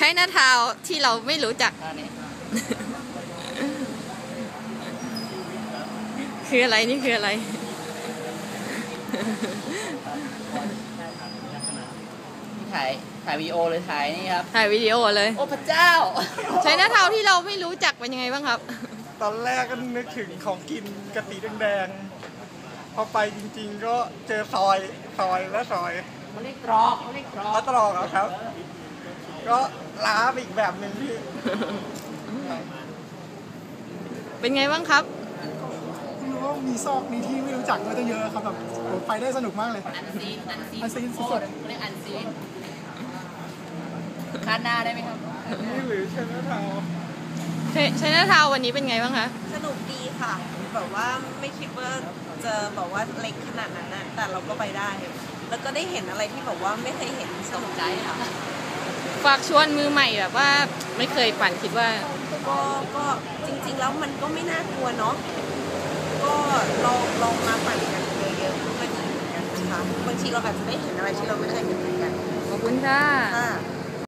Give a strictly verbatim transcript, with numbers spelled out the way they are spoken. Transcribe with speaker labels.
Speaker 1: ช้หน้าเท้าที่เราไม่รู้จักคืออะไรนี่คืออะไร
Speaker 2: ถ่ายถ่ายวีดีโอเลยถ่ายนี่ครับ
Speaker 1: ถ่ายวิดีโอเลย
Speaker 2: โอ้พระเจ้า
Speaker 1: ใช้หน้าเท้าที่เราไม่รู้จักเป็นยังไงบ้างครับ
Speaker 3: ตอนแรกก็นึกถึงของกินกะทิแดงๆพอไปจริงๆก็เจอซอยซอยและซอย
Speaker 2: เขาเรียกตรอกเขาเรียกตรอก
Speaker 3: ตรอกครับก็ล้าไปอีกแบบหนึ่งพี่
Speaker 1: เป็นไงบ้างครับ
Speaker 4: ไม่รู้ว่ามีซอกมีที่ไม่รู้จักมาตั้งเยอะครับแบบไปได้สนุกมากเลย
Speaker 2: อันซีนอันซีน
Speaker 4: อันซีนสุด
Speaker 2: ๆเรียกอันซีนคาดหน้าได้ไหมครับ
Speaker 3: นี่หรือใช้หน้าเท้า
Speaker 1: ใช้หน้าเท้าวันนี้เป็นไงบ้างคะ
Speaker 5: สนุกดีค่ะแบบว่าไม่คิดว่าจะบอกว่าเล็กขนาดนั้นนะแต่เราก็ไปได้แล้วก็ได้เห็นอะไรที่แบบว่าไม่เคยเห็นสนุกใจค่ะ
Speaker 1: ฝากชวนมือใหม่แบบว่าไม่เคยปั่นคิดว่า
Speaker 5: ก็ก็จริงๆแล้วมันก็ไม่น่ากลัวเนาะก็ลองลองมาปั่นกันเยอะๆก็ดีเหมือนกันนะคะบางทีเราอาจจะได้เห็นอะไรที่เราไม่เคยเห็นเหมือนกัน
Speaker 1: ขอบคุณค่ะ